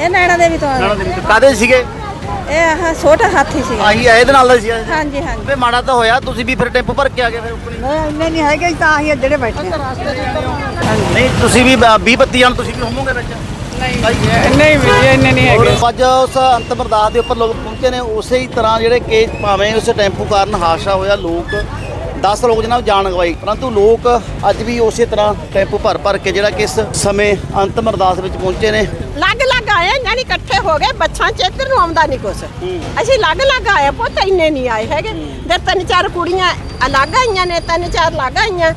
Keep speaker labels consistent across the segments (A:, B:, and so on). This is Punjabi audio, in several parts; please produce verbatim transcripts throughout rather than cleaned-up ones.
A: ਇਹ ਨੈਣਾ ਦੇਵੀ ਤੋਂ
B: ਨੈਣਾ ਦੇਵੀ ਤੋਂ ਕਾਦੇ ਸੀਗੇ?
A: ਇਹ ਆਹ ਛੋਟਾ ਹਾਥੀ ਸੀ।
B: ਆਹੀ ਆ ਇਹਦੇ ਨਾਲ ਦਾ ਸੀ?
A: ਹਾਂਜੀ ਹਾਂਜੀ।
B: ਤੇ ਮਾੜਾ ਤਾਂ ਹੋਇਆ, ਤੁਸੀਂ ਵੀ ਫਿਰ ਟੈਂਪੂ ਭਰ ਕੇ ਆ ਗਏ ਫਿਰ ਉੱਪਰ?
A: ਇੰਨੇ ਨਹੀਂ ਹੈਗੇ ਤਾਂ ਅਸੀਂ ਜਿਹੜੇ ਬੈਠੇ
B: ਨਹੀਂ ਤੁਸੀਂ ਵੀ ਵੀਹ ਪੱਤੀ ਜਾਣ ਤੁਸੀਂ ਵੀ ਹੋਵੋਗੇ ਵਿੱਚ?
C: ਨਹੀਂ ਨਹੀਂ ਵੀ ਇੰਨੇ ਨਹੀਂ ਹੈਗੇ।
B: ਅੱਜ ਉਸ ਅੰਤਮ ਅਰਦਾਸ ਦੇ ਉੱਪਰ ਲੋਕ ਪਹੁੰਚੇ ਨੇ, ਉਸੇ ਹੀ ਤਰ੍ਹਾਂ ਜਿਹੜੇ ਕਿ ਭਾਵੇਂ ਉਸ ਟੈਂਪੂ ਕਾਰਨ ਹਾਦਸਾ ਹੋਇਆ, ਲੋਕ ਦਸ ਲੋਕ ਜਨਾਬ ਜਾਨ ਗਵਾਈ, ਪਰੰਤੂ ਲੋਕ ਅੱਜ ਵੀ ਉਸੇ ਤਰ੍ਹਾਂ ਟੈਂਪੂ ਭਰ ਭਰ ਕੇ ਜਿਹੜਾ ਕਿ ਇਸ ਸਮੇਂ ਅੰਤਮ ਅਰਦਾਸ ਵਿੱਚ ਪਹੁੰਚੇ ਨੇ।
D: ਲੱਗ ਲੱਗ ਆਏ ਜਾਨੀ ਇਕੱਠੇ ਹੋ ਗਏ, ਬੱਚਾ ਚ ਇੱਧਰ ਨੂੰ ਆਉਂਦਾ ਨਹੀਂ ਕੁਛ। ਅਸੀਂ ਲੱਗ ਲੱਗ ਆਏ, ਪੁੱਤ ਇੰਨੇ ਨਹੀਂ ਆਏ ਹੈਗੇ। ਤੇ ਤਿੰਨ ਚਾਰ ਕੁੜੀਆਂ ਅਲੱਗ ਆਈਆਂ ਨੇ, ਤਿੰਨ ਚਾਰ ਲੱਗ ਆਈਆਂ।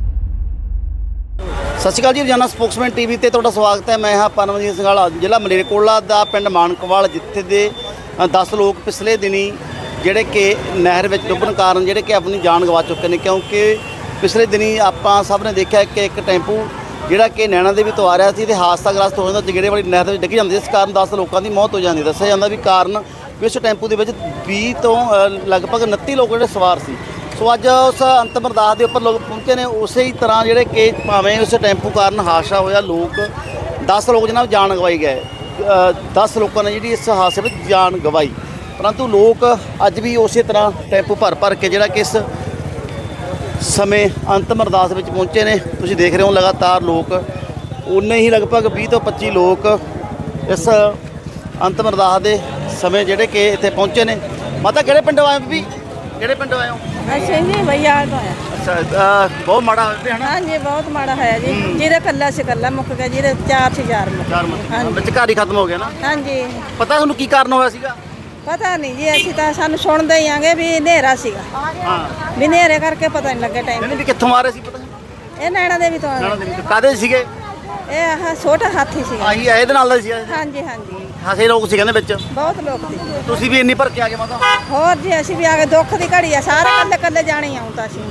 B: ਸਤਿ ਸ਼੍ਰੀ ਅਕਾਲ ਜੀ, ਰੋਜ਼ਾਨਾ ਸਪੋਕਸਮੈਨ ਟੀਵੀ ਤੇ ਤੁਹਾਡਾ ਸਵਾਗਤ ਹੈ। ਮੈਂ ਹਾਂ ਪਰਮਜੀਤ ਸਿੰਘਾਲਾ, ਜ਼ਿਲ੍ਹਾ ਮਲੇਰਕੋਟਲਾ ਦਾ ਪਿੰਡ ਮਾਨਕਵਾਲ, ਜਿੱਥੇ ਦੇ ਦਸ ਲੋਕ ਪਿਛਲੇ ਦਿਨੀ ਜਿਹੜੇ ਕਿ ਨਹਿਰ ਵਿੱਚ ਡੁੱਬਣ ਕਾਰਨ ਜਿਹੜੇ ਕਿ ਆਪਣੀ ਜਾਨ ਗਵਾ ਚੁੱਕੇ ਨੇ। ਕਿਉਂਕਿ ਪਿਛਲੇ ਦਿਨੀ ਆਪਾਂ ਸਭ ਨੇ ਦੇਖਿਆ ਕਿ ਇੱਕ ਟੈਂਪੂ ਜਿਹੜਾ ਕਿ ਨੈਣਾ ਦੇਵੀ ਤੋਂ ਆ ਰਿਹਾ ਸੀ ਤੇ ਹਾਦਸਾਗ੍ਰਸਤ ਹੋ ਜਾਂਦਾ, ਜਗੜੇ ਵਾਲੀ ਨਹਿਰ ਦੇ ਵਿੱਚ ਡਿੱਗ ਜਾਂਦੀ, ਇਸ ਕਾਰਨ ਦਸ ਲੋਕਾਂ ਦੀ ਮੌਤ ਹੋ ਜਾਂਦੀ। ਦੱਸਿਆ ਜਾਂਦਾ ਵੀ ਕਾਰਨ ਵੀ ਉਸ ਟੈਂਪੂ ਦੇ ਵਿੱਚ ਵੀਹ ਤੋਂ ਲਗਭਗ ਉਨੱਤੀ ਲੋਕ ਜਿਹੜੇ ਸਵਾਰ ਸੀ। ਸੋ ਅੱਜ ਉਸ ਅੰਤਮ ਅਰਦਾਸ ਦੇ ਉੱਪਰ ਲੋਕ ਪਹੁੰਚੇ ਨੇ, ਉਸੇ ਹੀ ਤਰ੍ਹਾਂ ਜਿਹੜੇ ਕਿ ਭਾਵੇਂ ਉਸ ਟੈਂਪੂ ਕਾਰਨ ਹਾਦਸਾ ਹੋਇਆ, ਲੋਕ ਦਸ ਲੋਕ ਜਨਾਬ ਜਾਨ ਗਵਾਈ ਗਏ। ਦਸ ਲੋਕਾਂ ਨੇ ਜਿਹੜੀ ਇਸ ਹਾਦਸੇ ਵਿੱਚ ਜਾਨ ਗਵਾਈ, ਪਰੰਤੂ ਲੋਕ ਅੱਜ ਵੀ ਉਸੇ ਤਰ੍ਹਾਂ ਟੈਂਪੂ ਭਰ ਭਰ ਕੇ ਜਿਹੜਾ ਕਿ ਇਸ ਸਮੇਂ ਅੰਤਮ ਅਰਦਾਸ ਵਿੱਚ ਪਹੁੰਚੇ ਨੇ। ਤੁਸੀਂ ਦੇਖ ਰਹੇ ਹੋ ਲਗਾਤਾਰ ਲੋਕ ਉਨੇ ਹੀ ਲਗਭਗ ਵੀਹ ਤੋਂ ਪੱਚੀ ਲੋਕ ਇਸ ਅੰਤਮ ਅਰਦਾਸ ਦੇ ਸਮੇਂ ਜਿਹੜੇ ਕਿ ਇੱਥੇ ਪਹੁੰਚੇ ਨੇ। ਮਾਤਾ ਕਿਹੜੇ ਪਿੰਡੋਂ ਆਏ ਬੀਬੀ? ਕਿਹੜੇ ਪਿੰਡੋਂ ਆਏ ਹੋ?
A: ਅੱਛਾ ਜੀ ਭਈਆ ਤੋਂ ਆਇਆ।
B: ਅੱਛਾ, ਬਹੁਤ ਮਾੜਾ ਹੋਇਆ ਹੈ ਨਾ?
A: ਹਾਂਜੀ ਬਹੁਤ ਮਾੜਾ ਹੋਇਆ ਜੀ। ਜਿਹਦੇ ਕੱਲਾ ਸੀ ਕੱਲਾ ਮੁੱਕ ਗਿਆ, ਜਿਹਦੇ ਚਾਰ ਸੀ ਚਾਰ ਮੁੱਕ
B: ਚਾਰ ਮਿੰਟ ਵਿੱਚ ਘਰ ਹੀ ਖਤਮ ਹੋ ਗਿਆ ਨਾ?
A: ਹਾਂਜੀ।
B: ਪਤਾ ਤੁਹਾਨੂੰ ਕੀ ਕਾਰਨ ਹੋਇਆ ਸੀਗਾ?
A: ਪਤਾ ਨਹੀਂ ਜੀ, ਅਸੀਂ ਤਾਂ ਸਾਨੂੰ ਸੁਣਦੇ ਹੀ ਆਂਗੇ ਵੀ ਹਨੇਰਾ ਸੀਗਾ।
B: ਹਾਂ,
A: ਵੀ ਹਨੇਰੇ ਕਰਕੇ ਪਤਾ ਨਹੀਂ ਲੱਗਿਆ ਟਾਈਮ।
B: ਨਹੀਂ ਵੀ ਕਿੱਥੋਂ ਆ ਰਹੇ ਸੀ ਪਤਾ ਨਹੀਂ?
A: ਇਹ ਨੈਣਾ ਦੇਵੀ ਤੋਂ
B: ਨੈਣਾ ਦੇਵੀ ਤੋਂ ਕਾਦੇ ਸੀਗੇ?
A: ਇਹ ਆਹ ਛੋਟਾ ਹਾਥੀ ਸੀ।
B: ਆਹੀ ਆ ਇਹਦੇ ਨਾਲ ਦਾ ਸੀ?
A: ਹਾਂਜੀ ਹਾਂਜੀ।
B: ਹਾਸੇ ਲੋਕ ਸੀ ਕਹਿੰਦੇ ਵਿੱਚ?
A: ਬਹੁਤ ਲੋਕ ਸੀ।
B: ਤੁਸੀਂ ਵੀ ਇੰਨੀ ਭਰ ਕੇ ਆ ਗਏ ਮਾਤਾ?
A: ਹੋਰ ਜੀ ਅਸੀਂ ਵੀ ਆ ਗਏ, ਦੁੱਖ ਦੀ ਘੜੀ ਆ, ਸਾਰੇ ਕੱਲੇ ਕੱਲੇ ਜਾਣੇ ਹੀ ਆਉਂ ਤਾਂ ਅਸੀਂ।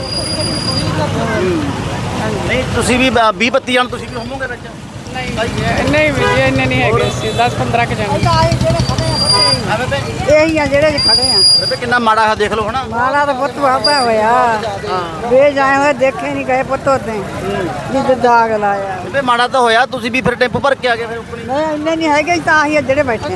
B: ਨਹੀਂ ਤੁਸੀਂ ਵੀ ਵੀਹ ਪੱਤੀ ਜਾਣ ਤੁਸੀਂ ਵੀ ਹੋਵੋਗੇ ਵਿੱਚ?
C: ਨਹੀਂ ਨਹੀਂ ਵੀ ਇੰਨੇ ਨਹੀਂ ਹੈਗੇ ਸੀ, ਦਸ ਪੰਦਰਾਂ ਕ ਜਾਣੇ।
B: ਹਾਂ ਬੇਬੇ,
A: ਇਹੀ ਆ ਜਿਹੜੇ ਖੜੇ ਆ।
B: ਬੇਬੇ ਕਿੰਨਾ ਮਾੜਾ ਹੈ ਦੇਖ ਲਓ ਹਨਾ।
A: ਮਾਲਾ ਤਾਂ ਪੁੱਤ ਵਾਪਾ ਹੋਇਆ, ਵੇ ਜਾਏ ਹੋਏ ਦੇਖੇ ਨਹੀਂ ਗਏ ਪੁੱਤ ਉਤੇ ਜਿੱਦ ਦਾਗ ਲਾਇਆ।
B: ਬੇਬੇ ਮਾੜਾ ਤਾਂ ਹੋਇਆ, ਤੁਸੀਂ ਵੀ ਫਿਰ ਟੈਂਪੂ ਭਰ ਕੇ ਆ ਗਏ ਫਿਰ ਉੱਪਰ ਹੀ?
A: ਨਹੀਂ ਇੰਨੇ ਨਹੀਂ ਹੈਗੇ ਤਾਂ ਅਸੀਂ ਜਿਹੜੇ ਬੈਠੇ।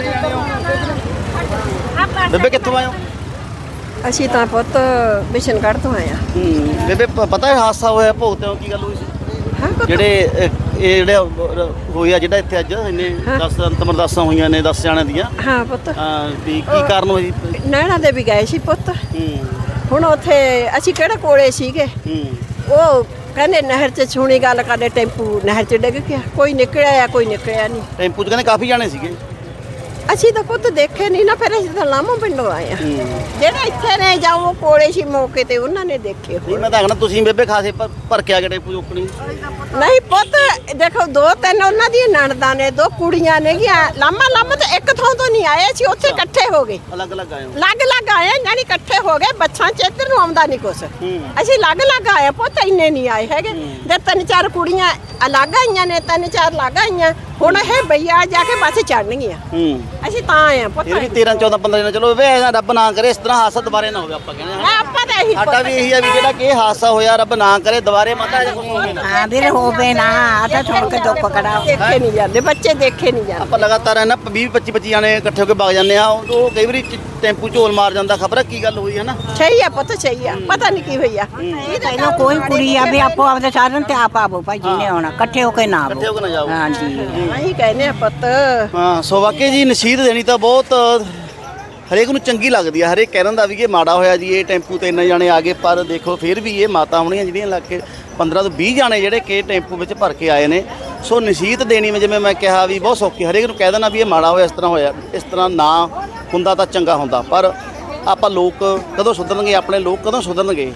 B: ਬੇਬੇ ਕਿੱਥੋਂ ਆਏ ਹੋ?
D: ਅਸੀਂ ਤਾਂ ਪੁੱਤ ਬਿਸ਼ਨਗੜ੍ਹ ਤੋਂ ਆਏ ਆ।
B: ਹੂੰ, ਬੇਬੇ ਪ- ਪਤਾ ਹੈ ਹਾਦਸਾ ਹੋਇਆ ਭੋਗਤੇ ਹੋ ਕੀ ਗੱਲ ਹੋਈ ਸੀ?
D: ਹਾਂ ਪੁੱਤ,
B: ਜਿਹੜੇ ਅਹ, ਇਹ ਜਿਹੜੇ ਹੋਇਆ ਜਿਹੜਾ ਇੱਥੇ ਅੱਜ ਇਹਨੇ ਦਸ ਅੰਤਮ ਅਰਦਾਸਾਂ ਹੋਈਆਂ ਨੇ ਦਸ ਜਾਣਿਆਂ ਦੀਆਂ,
D: ਹਾਂ ਪੁੱਤ,
B: ਅਹ, ਵੀ ਕੀ ਕਾਰਨ ਹੋਈ?
D: ਨੈਣਾ ਦੇ ਵੀ ਗਏ ਸੀ ਪੁੱਤ।
B: ਹੂੰ
D: ਹੁਣ ਉੱਥੇ ਅਸੀਂ ਕਿਹੜੇ ਕੋਲੇ ਸੀਗੇ,
B: ਹੂੰ
D: ਉਹ ਕਹਿੰਦੇ ਨਹਿਰ 'ਚ ਛੂਣੀ ਗੱਲ ਕਰਦੇ, ਟੈਂਪੂ ਨਹਿਰ 'ਚ ਡਿੱਗ ਗਿਆ। ਕੋਈ ਨਿਕਲਿਆ ਆ, ਕੋਈ ਨਿਕਲਿਆ ਨਹੀਂ।
B: ਟੈਂਪੂ 'ਚ ਕਹਿੰਦੇ ਕਾਫੀ ਜਾਣੇ ਸੀਗੇ।
D: ਅਸੀਂ ਤਾਂ ਪੁੱਤ ਦੇਖੇ ਨਹੀਂ ਨਾ, ਫਿਰ ਅਸੀਂ ਤਾਂ ਲਾਮੋਂ ਪਿੰਡੋਂ ਆਏ ਆ। ਜਿਹੜੇ ਇੱਥੇ ਨੇ ਜਾਂ ਉਹ ਕੋਲੇ ਸੀ ਮੌਕੇ ਤੇ, ਉਹਨਾਂ ਨੇ ਦੇਖੇ
B: ਨਹੀਂ
D: ਹੋਏ।
B: ਮੈਂ ਤਾਂ ਆਖਣਾ ਤੁਸੀਂ ਬੇਬੇ ਖਾਸੇ ਭਰ- ਭਰ ਕੇ ਆ ਗਏ ਟੈਂਪੂ ਚੋਕਣੀ।
D: ਨਹੀਂ ਪੁੱਤ ਦੇਖੋ, ਦੋ ਤਿੰਨ ਉਹਨਾਂ ਦੀਆਂ ਨਣਦਾਂ ਨੇ, ਦੋ ਕੁੜੀਆਂ ਨੇ ਗਿਆ। ਲਾਮਾ ਲਾਮਾ ਤਾਂ ਇੱਕ ਥਾਂ ਤੋਂ ਨਹੀਂ ਆਏ ਸੀ, ਉੱਥੇ ਇਕੱਠੇ ਹੋ ਗਏ।
B: ਅਲੱਗ ਅਲੱਗ ਆਏ ਹੋ?
D: ਲੱਗ ਲੱਗ ਆਏ ਜਾਨੀ ਇਕੱਠੇ ਹੋ ਗਏ, ਬੱਚਾ ਚ ਇੱਧਰ ਨੂੰ ਆਉਂਦਾ ਨਹੀਂ ਕੁਛ।
B: ਹੂੰ।
D: ਅਸੀਂ ਲੱਗ ਲੱਗ ਆਏ, ਪੁੱਤ ਇੰਨੇ ਨਹੀਂ ਆਏ ਹੈਗੇ। ਤੇ ਤਿੰਨ ਚਾਰ ਕੁੜੀਆਂ ਅਲੱਗ ਆਈਆਂ ਨੇ, ਤਿੰਨ ਚਾਰ ਲੱਗ ਆਈਆਂ। ਹੁਣ ਇਹ ਬਈਆ ਜਾ ਕੇ ਬੱਸ ਚੜਨਗੀਆਂ।
B: ਹੂੰ,
D: ਅਸੀਂ ਤਾਂ ਆਏ ਆ ਪੁੱਤ।
B: ਇਹ ਵੀ ਤੇਰਾਂ ਚੌਦਾਂ ਪੰਦਰਾਂ ਦਿਨ ਚਲੋ ਵੇ, ਰੱਬ ਨਾ ਕਰੇ ਇਸ ਤਰ੍ਹਾਂ ਹਾਦਸਾ ਦੁਬਾਰੇ ਨਾ ਹੋਵੇ, ਆਪਾਂ ਕਹਿੰਦੇ ਹਾਂ।
D: ਮੈਂ ਆਪਾਂ ਤਾਂ ਇਹੀ
B: ਸਾਡਾ ਵੀ ਇਹੀ ਆ ਵੀ ਜਿਹੜਾ ਕਿ ਇਹ ਹਾਦਸਾ ਹੋਇਆ, ਰੱਬ ਨਾ ਕਰੇ ਦੁਬਾਰੇ ਮਾਤਾ ਜੀ ਕੁਝ ਹੋਵੇ ਨਾ।
A: ਹਾਂ ਵੀਰ ਹੋਵੇ ਨਾ, ਆਦਾ ਸੁਣ ਕੇ ਦੁੱਖ ਕੜਾ।
D: ਦੇਖੇ ਨਹੀਂ ਜਾਂਦੇ ਬੱਚੇ, ਦੇਖੇ ਨਹੀਂ ਜਾਂਦੇ।
B: ਆਪਾਂ ਲਗਾਤਾਰ ਹੈ ਨਾ ਵੀਹ ਪੱਚੀ ਪੱਚੀ ਜਾਣੇ ਇਕੱਠੇ ਹੋ ਕੇ ਵਗ ਜਾਂਦੇ ਆ, ਉਹ ਕਈ ਵਾਰੀ ਚ- ਟੈਂਪੂ ਝੋਲ ਮਾਰ ਜਾਂਦਾ। ਖਬਰ ਕੀ ਗੱਲ ਹੋਈ ਹੈ ਨਾ?
D: ਸਹੀ ਆ ਪੁੱਤ, ਸਹੀ ਆ। ਪਤਾ ਨਹੀਂ ਕੀ ਹੋਇਆ।
A: ਪਹਿਲਾਂ ਕੋਈ ਕੁੜੀ ਆ ਵੀ ਆਪੋ ਆਪਦੇ ਸਾਧਨ ਤੇ ਆਪ ਆਵੋ ਭਾਈ, ਜਿਹਨੇ ਆਉਣਾ ਇਕੱਠੇ ਹੋ ਕੇ ਨਾ ਆਵੋ।
B: ਇਕੱਠੇ ਹੋ ਕੇ ਨਾ ਜਾਓ।
A: ਹਾਂਜੀ।
D: ਅਸੀਂ ਕਹਿੰਦੇ ਆ ਪੁੱਤ,
B: ਹਾਂ, ਸੋ ਵਾਕਈ ਜੀ ਨਸੀਹਤ ਦੇਣੀ ਤਾਂ ਬਹੁਤ ਹਰੇਕ ਨੂੰ ਚੰਗੀ ਲੱਗਦੀ ਆ। ਹਰੇਕ ਕਹਿ ਦਿੰਦਾ ਵੀ ਇਹ ਮਾੜਾ ਹੋਇਆ ਜੀ, ਇਹ ਟੈਂਪੂ ਤੇ ਇੰਨੇ ਜਾਣੇ ਆ ਗਏ, ਪਰ ਦੇਖੋ ਫਿਰ ਵੀ ਇਹ ਮਾਤਾ ਹੋਣੀਆਂ ਜਿਹੜੀਆਂ ਲੱਗ ਕੇ ਪੰਦਰਾਂ ਤੋਂ ਵੀਹ ਜਾਣੇ ਜਿਹੜੇ ਕਿ ਟੈਂਪੂ ਵਿੱਚ ਭਰ ਕੇ ਆਏ ਨੇ। ਸੋ ਨਸੀਹਤ ਦੇਣੀ ਮੈਂ ਜਿਵੇਂ ਮੈਂ ਕਿਹਾ ਵੀ ਬਹੁਤ ਸੌਖੀ। ਹਰੇਕ ਨੂੰ ਕਹਿ ਦੇਣਾ ਵੀ ਇਹ ਮਾੜਾ ਹੋਇਆ, ਇਸ ਤਰ੍ਹਾਂ ਹੋਇਆ, ਇਸ ਤਰ੍ਹਾਂ ਨਾ ਹੁੰਦਾ ਤਾਂ ਚੰਗਾ ਹੁੰਦਾ। ਪਰ ਆਪਾਂ ਲੋਕ ਕਦੋਂ ਸੁਧਰਨਗੇ, ਆਪਣੇ ਲੋਕ ਕਦੋਂ ਸੁਧਰਨਗੇ?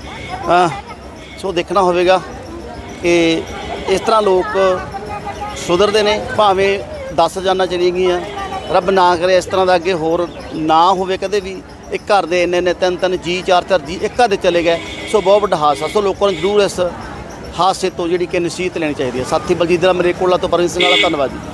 B: ਸੋ ਦੇਖਣਾ ਹੋਵੇਗਾ ਕਿ ਇਸ ਤਰ੍ਹਾਂ ਲੋਕ ਸੁਧਰਦੇ ਨੇ। ਭਾਵੇਂ ਦਸ ਜਾਨਾਂ ਚਲੀਆਂ ਗਈਆਂ, ਰੱਬ ਨਾ ਕਰੇ ਇਸ ਤਰ੍ਹਾਂ ਦਾ ਅੱਗੇ ਹੋਰ ਨਾ ਹੋਵੇ ਕਦੇ ਵੀ। ਇੱਕ ਘਰ ਦੇ ਇੰਨੇ ਇੰਨੇ ਤਿੰਨ ਤਿੰਨ ਜੀ, ਚਾਰ ਚਾਰ ਜੀ ਇੱਕ ਘਰ ਦੇ ਚਲੇ ਗਏ। ਸੋ ਬਹੁਤ ਵੱਡਾ ਹਾਦਸਾ। ਸੋ ਲੋਕਾਂ ਨੂੰ ਜ਼ਰੂਰ ਇਸ ਹਾਦਸੇ ਤੋਂ ਜਿਹੜੀ ਕਿ ਨਸੀਹਤ ਲੈਣੀ ਚਾਹੀਦੀ ਹੈ। ਸਾਥੀ ਬਲਜੀਤ ਦਾ ਮਲੇਰਕੋਟਲਾ ਤੋਂ ਪਰਮਜੀਤ ਸਿੰਘ ਵਾਲਾ, ਧੰਨਵਾਦ ਜੀ।